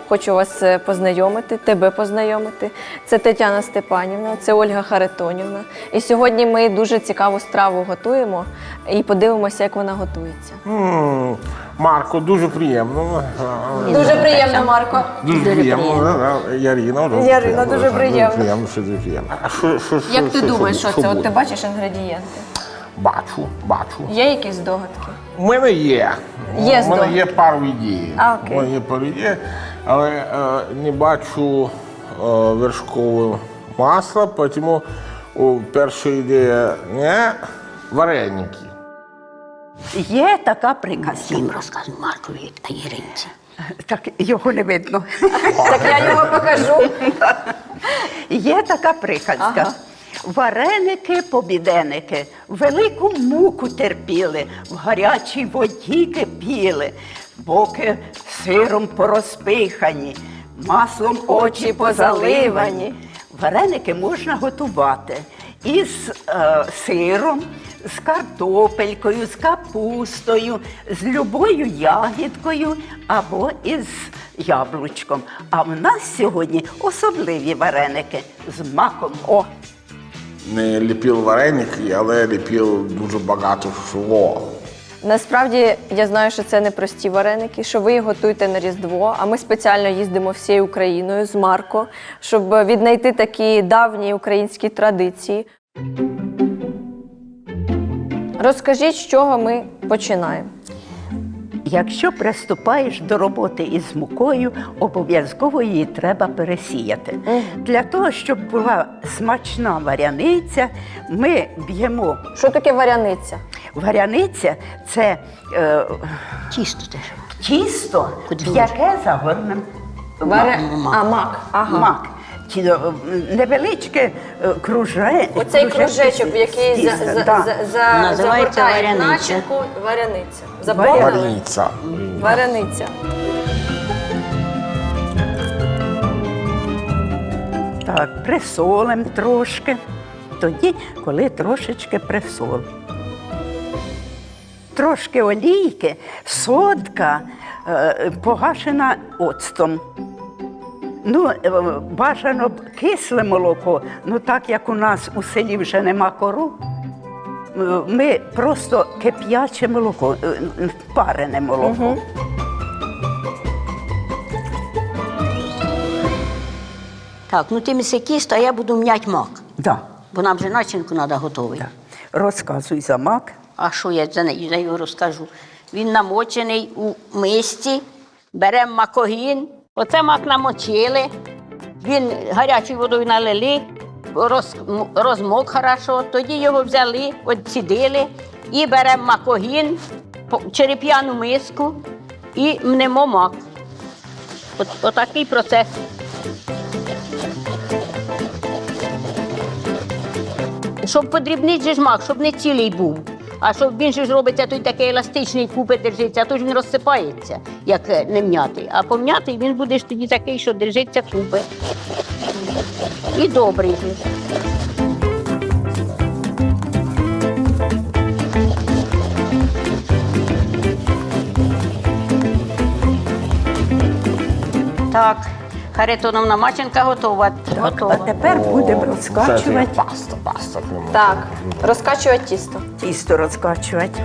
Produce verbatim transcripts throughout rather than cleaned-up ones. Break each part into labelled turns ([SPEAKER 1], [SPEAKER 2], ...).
[SPEAKER 1] хочу вас познайомити, тебе познайомити. Це Тетяна Степанівна, це Ольга Харитонівна. І сьогодні ми дуже цікаву страву готуємо і подивимося, як вона готується.
[SPEAKER 2] М, Марко, дуже приємно.
[SPEAKER 1] Дуже приємно, Марко.
[SPEAKER 2] Дуже приємно. Ярина, дуже
[SPEAKER 1] Ярина, дуже приємно.
[SPEAKER 2] приємно, що дуже приємно. А що, що, що,
[SPEAKER 1] Як ти
[SPEAKER 2] що,
[SPEAKER 1] думаєш, що це? От
[SPEAKER 2] буде?
[SPEAKER 1] ти бачиш інгредієнти?
[SPEAKER 2] Бачу, бачу.
[SPEAKER 1] Є якісь здогадки?
[SPEAKER 2] У мене є.
[SPEAKER 1] Є
[SPEAKER 2] У мене
[SPEAKER 1] здогадки?
[SPEAKER 2] є пару ідей.
[SPEAKER 1] А, окей.
[SPEAKER 2] У мене є пару ідей, але е, не бачу е, вершкового масла, тому о, перша ідея не вареники.
[SPEAKER 3] Є така приказка.
[SPEAKER 4] Їм розказуй Маркові та Іринці.
[SPEAKER 3] Так його не видно.
[SPEAKER 1] Так я його покажу.
[SPEAKER 3] Є така приказка.
[SPEAKER 1] Ага.
[SPEAKER 3] Вареники, побіденики, велику муку терпіли, в гарячій воді кипіли, боки сиром порозпихані, маслом очі позаливані. Вареники можна готувати із е, сиром, з картопелькою, з капустою, з любою ягідкою або із яблучком. А в нас сьогодні особливі вареники з маком. О!
[SPEAKER 2] Не ліпив вареники, але ліпив дуже багато всього.
[SPEAKER 1] Насправді, я знаю, що це не прості вареники, що ви їх готуєте на Різдво, а ми спеціально їздимо всією Україною з Марко, щоб віднайти такі давні українські традиції. Розкажіть, з чого ми починаємо.
[SPEAKER 3] Якщо приступаєш до роботи із мукою, обов'язково її треба пересіяти. Для того, щоб була смачна варяниця, ми б'ємо.
[SPEAKER 1] Що таке варяниця?
[SPEAKER 3] Варяниця – це е,
[SPEAKER 4] Тісто теж.
[SPEAKER 3] тісто, в
[SPEAKER 4] Куди?
[SPEAKER 3] яке загорнем
[SPEAKER 1] Варя...
[SPEAKER 4] мак.
[SPEAKER 1] А, мак. Ага.
[SPEAKER 3] мак. Ті, е, невеличке е, круже...
[SPEAKER 1] Оцей
[SPEAKER 3] кружечки
[SPEAKER 1] кружечок, в який за,
[SPEAKER 3] тіста,
[SPEAKER 1] за,
[SPEAKER 3] да.
[SPEAKER 1] за, за,
[SPEAKER 4] Називається
[SPEAKER 1] загортає
[SPEAKER 4] варяниця.
[SPEAKER 1] начинку, варяниця. Запомнили?
[SPEAKER 2] Варіниця.
[SPEAKER 1] Варяниця.
[SPEAKER 3] Так, присолимо трошки. Тоді, коли трошечки присолимо. Трошки олійки, содка е, погашена оцтом. Ну, е, бажано б кисле молоко, ну так як у нас у селі вже нема кору, е, ми просто кип'яче молоко, е, парене молоко.
[SPEAKER 4] Так, ну ти міси кіст, а я буду м'ять мак.
[SPEAKER 3] Да,
[SPEAKER 4] Бо нам же начинку треба готовий.
[SPEAKER 3] да. Розказуй за мак.
[SPEAKER 4] А що я за нею за його розкажу? Він намочений у мисці, беремо макогін. Оце мак намочили, він гарячою водою налили, роз, м- розмок хорошо, тоді його взяли, відсідили і беремо макогін, по- череп'яну миску і мнемо мак. От, отакий процес. Щоб подрібнити же ж мак, щоб не цілий був. А щоб він же ж робиться, той такий еластичний, купи держиться, а то ж він розсипається, як е, не м'ятий. А пом'ятий він буде ж тоді такий, що держиться купи. І добрий же. Так, Харитоновна Маченка готова.
[SPEAKER 3] Так,
[SPEAKER 4] готова.
[SPEAKER 3] а тепер будемо
[SPEAKER 2] Це
[SPEAKER 3] розкачувати,
[SPEAKER 2] паста, паста. прямо.
[SPEAKER 1] Так, розкачувати тісто.
[SPEAKER 3] тісто розкачувати.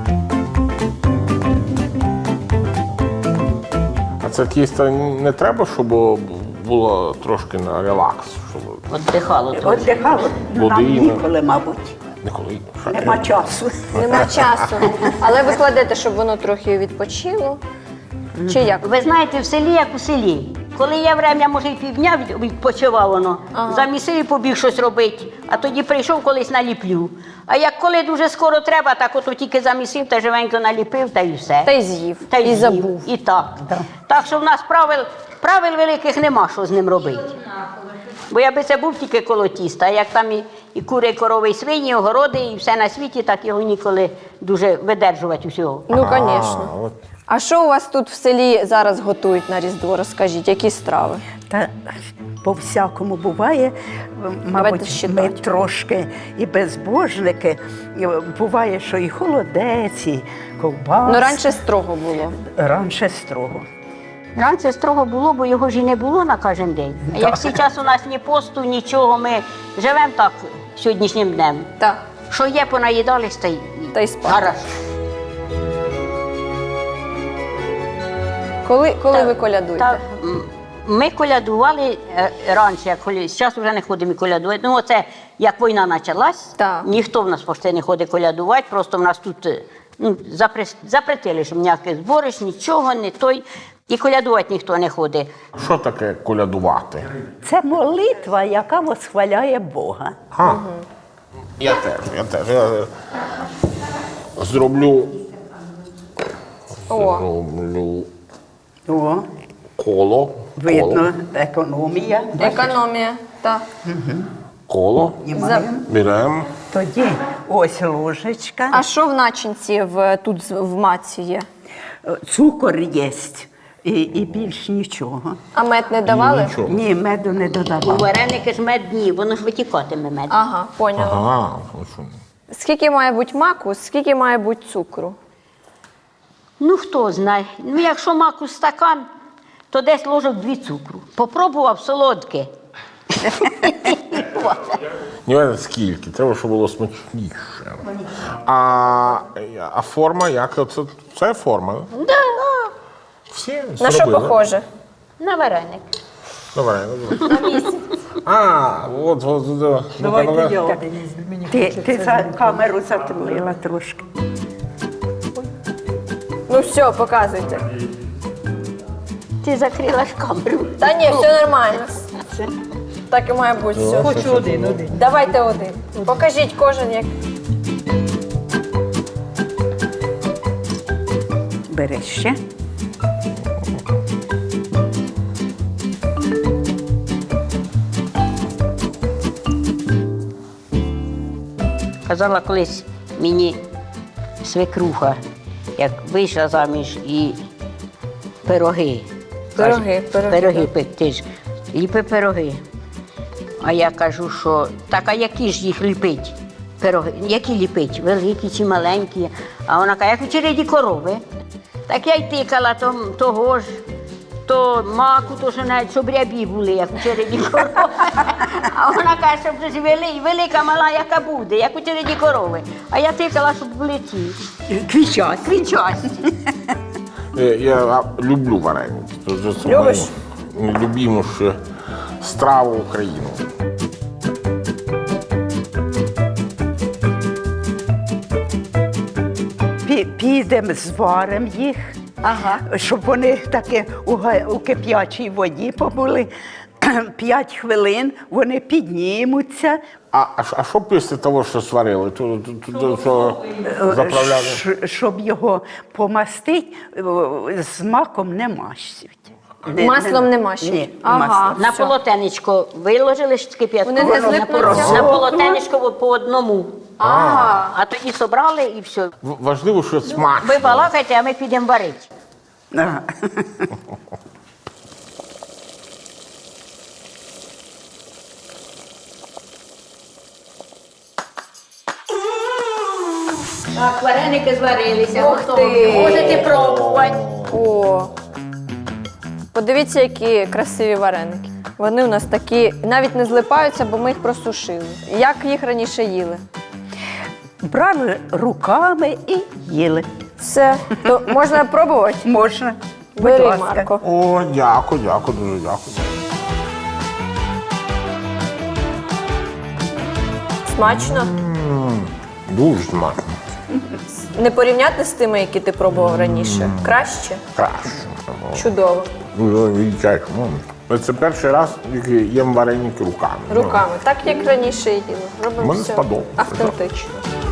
[SPEAKER 2] А це тісто не треба, щоб було трошки на релакс, щоб
[SPEAKER 4] Отдихало трохи.
[SPEAKER 3] Віддихало, ну, нам
[SPEAKER 2] Води,
[SPEAKER 3] ніколи, мабуть.
[SPEAKER 2] ніколи.
[SPEAKER 3] Нема часу.
[SPEAKER 1] Нема часу. Але ви кладете, щоб воно трохи відпочило. Чи як?
[SPEAKER 4] Ви знаєте, в селі як у селі. Коли є время, може, і півдня від- відпочивав воно,
[SPEAKER 1] Ага.
[SPEAKER 4] замісив і побіг щось робити, а тоді прийшов колись наліплю. А як коли дуже скоро треба, так ото тільки замісив та живенько наліпив, та й все.
[SPEAKER 1] Та й з'їв,
[SPEAKER 4] Та й
[SPEAKER 1] і
[SPEAKER 4] з'їв.
[SPEAKER 1] забув.
[SPEAKER 4] І так. Так що в нас правил, правил великих нема, що з ним робити. Бо я би це був тільки коло тіста, а як там і, і кури, і корови, і свині, огороди, і все на світі, так його ніколи дуже видержувати усього.
[SPEAKER 1] Ну,
[SPEAKER 2] А,
[SPEAKER 1] звісно.
[SPEAKER 2] от.
[SPEAKER 1] А що у вас тут в селі зараз готують на Різдво? Розкажіть, які страви?
[SPEAKER 3] Та по-всякому буває,
[SPEAKER 1] Давайте
[SPEAKER 3] мабуть,
[SPEAKER 1] считати.
[SPEAKER 3] ми трошки і безбожники. І буває, що і холодець, і ковбаска.
[SPEAKER 1] Ну, раніше строго було.
[SPEAKER 3] Раніше строго.
[SPEAKER 4] Раніше строго було, бо його ж і не було на кожен день. А як зараз у нас ні посту, нічого, ми живемо так сьогоднішнім днем.
[SPEAKER 1] Так.
[SPEAKER 4] Що є, понаїдались, та й
[SPEAKER 1] Та й спати.
[SPEAKER 4] гараж.
[SPEAKER 1] Коли, коли
[SPEAKER 4] Так,
[SPEAKER 1] ви колядуєте?
[SPEAKER 4] так, м, ми колядували е, раніше, як коли зараз вже не ходимо колядувати. Ну, оце як війна почалась,
[SPEAKER 1] Так.
[SPEAKER 4] ніхто в нас почти не ходить колядувати, просто в нас тут е, ну, запрес- запретили, щоб ніяких зборищ, нічого, не той. І колядувати ніхто не ходить.
[SPEAKER 2] Що таке колядувати?
[SPEAKER 3] Це молитва, яка восхваляє Бога.
[SPEAKER 2] А, я теж, я теж. Я е, зроблю,
[SPEAKER 1] О,
[SPEAKER 2] зроблю
[SPEAKER 3] О,
[SPEAKER 2] коло.
[SPEAKER 3] видно, економія.
[SPEAKER 1] економія. Так.
[SPEAKER 2] Коло.
[SPEAKER 3] Знімаємо.
[SPEAKER 2] Беремо.
[SPEAKER 3] Тоді ось ложечка,
[SPEAKER 1] А що в начинці в, тут з- в маці є?
[SPEAKER 3] цукор є і, і більш нічого.
[SPEAKER 1] А мед не давали?
[SPEAKER 2] Нічого.
[SPEAKER 3] Ні, меду не
[SPEAKER 4] У
[SPEAKER 3] додавали.
[SPEAKER 4] вареники ж медні, воно ж витікатиме мед.
[SPEAKER 1] Ага, поняла.
[SPEAKER 2] Ага, ну що.
[SPEAKER 1] Скільки має бути маку, скільки має бути цукру?
[SPEAKER 4] Ну, хто знає. Ну, якщо маку стакан, то десь ложок дві цукру. Попробував солодке.
[SPEAKER 2] Не знаю скільки, треба, щоб було смачніше. А, а форма як? Це, це форма?
[SPEAKER 4] Да.
[SPEAKER 2] Всі
[SPEAKER 1] На що
[SPEAKER 2] зробили?
[SPEAKER 1] похоже?
[SPEAKER 4] На вареник.
[SPEAKER 2] Давай. давай. А, от, от, от. Ну-ка, ну-ка.
[SPEAKER 3] Ти, ти за камеру затулила трошки.
[SPEAKER 1] Ну все, показуйте.
[SPEAKER 4] Ти закрила ж камеру.
[SPEAKER 1] Та ні, все нормально. Так і має бути. Все.
[SPEAKER 2] Хочу один, один.
[SPEAKER 1] Давайте один. Покажіть кожен як.
[SPEAKER 3] Бери ще.
[SPEAKER 4] Казала колись мені свекруха, як вийшла заміж і пироги.
[SPEAKER 1] Пироги,
[SPEAKER 4] Каже,
[SPEAKER 1] пироги,
[SPEAKER 4] Пироги
[SPEAKER 1] так.
[SPEAKER 4] пекти ж. Ліпи пироги. А я кажу, що так, а які ж їх ліпить? Пироги, які ліпить? Великі чи маленькі? А вона каже, як у череді корови. Так я й тикала то, того ж, то маку, то що навіть щоб рябі були, як у череді корови. А вона каже, щоб вже ж вели- велика, мала, яка буде, як у череді корови. А я тикала, щоб були ці.
[SPEAKER 3] Квічать.
[SPEAKER 4] Квінчасті.
[SPEAKER 2] Я, я люблю вареники. Це, це
[SPEAKER 1] Любиш?
[SPEAKER 2] моя найлюбіміша страва України.
[SPEAKER 3] Пі- Підемо, зваримо їх,
[SPEAKER 1] Ага.
[SPEAKER 3] щоб вони таки у, га- у кип'ячій воді побули. П'ять хвилин вони піднімуться,
[SPEAKER 2] А, а, що- а що після того, що сварили? То, то, то, то, що заправляли?
[SPEAKER 3] Щ- щоб його помастити, з маком не мащуть. Не-
[SPEAKER 1] Маслом не мащуть?
[SPEAKER 3] Ні,
[SPEAKER 1] Ага.
[SPEAKER 3] маслом.
[SPEAKER 4] На
[SPEAKER 1] Все.
[SPEAKER 4] полотенечко виложили ж кип'ятку.
[SPEAKER 1] Вони не злипнуться?
[SPEAKER 4] На полотенечко по одному.
[SPEAKER 1] Ага.
[SPEAKER 4] А тоді собрали і все.
[SPEAKER 2] В- Важливо, що смачно.
[SPEAKER 4] Ви балакайте, а ми підемо варити.
[SPEAKER 3] Ага.
[SPEAKER 4] Так, вареники зварилися,
[SPEAKER 1] Ух ти!
[SPEAKER 4] Можете пробувати.
[SPEAKER 1] О. Подивіться, які красиві вареники. Вони у нас такі навіть не злипаються, бо ми їх просушили. Як їх раніше їли?
[SPEAKER 3] Брали руками і їли.
[SPEAKER 1] Все, то можна пробувати?
[SPEAKER 3] Можна. Будь
[SPEAKER 1] Бери,
[SPEAKER 3] ласка.
[SPEAKER 1] Марко.
[SPEAKER 2] О, дякую, дякую, дуже дякую.
[SPEAKER 1] Смачно?
[SPEAKER 2] Дуже смачно.
[SPEAKER 1] Не порівняти з тими, які ти пробував раніше. Краще?
[SPEAKER 2] Краще.
[SPEAKER 1] Чудово.
[SPEAKER 2] Ну, відчай. Ну, Це перший раз, як я їм вареники руками.
[SPEAKER 1] Руками. Так, як раніше їли. Робимо
[SPEAKER 2] Мені
[SPEAKER 1] все
[SPEAKER 2] сподобалося.
[SPEAKER 1] автентично.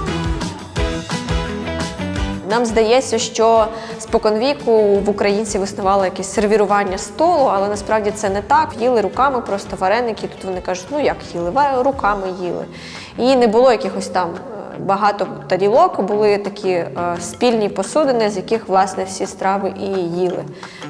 [SPEAKER 1] Нам здається, що споконвіку в українців існувало якесь сервірування столу, але насправді це не так. Їли руками просто вареники. Тут вони кажуть, ну як їли? Ва- Руками їли. І не було якихось там е, багато тарілок, були такі е, спільні посудини, з яких, власне, всі страви і їли.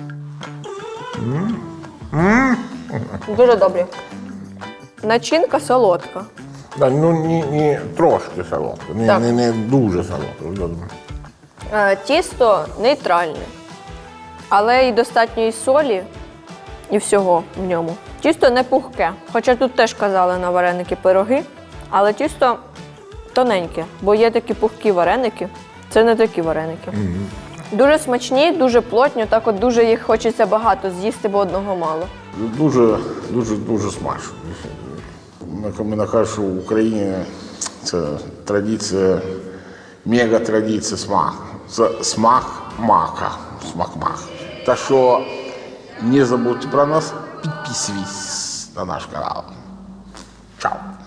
[SPEAKER 1] Дуже добре. Начинка солодка.
[SPEAKER 2] Да, ну, не, не трошки солодко, не,
[SPEAKER 1] Так.
[SPEAKER 2] не, не дуже солодко.
[SPEAKER 1] Е, Тісто нейтральне. але і достатньо і солі, і всього в ньому. Тісто не пухке, хоча тут теж казали на вареники пироги, але тісто тоненьке, бо є такі пухкі вареники, це не такі вареники. Mm-hmm. Дуже смачні, дуже плотні, так от дуже їх хочеться багато з'їсти, бо одного мало.
[SPEAKER 2] Дуже, дуже, дуже смачно. Мені кажуть, що в Україні це традиція, мега-традиція смак. Це смак мака. Смак мака. Так що не забудьте про нас, підписуйтесь на наш канал. Чао!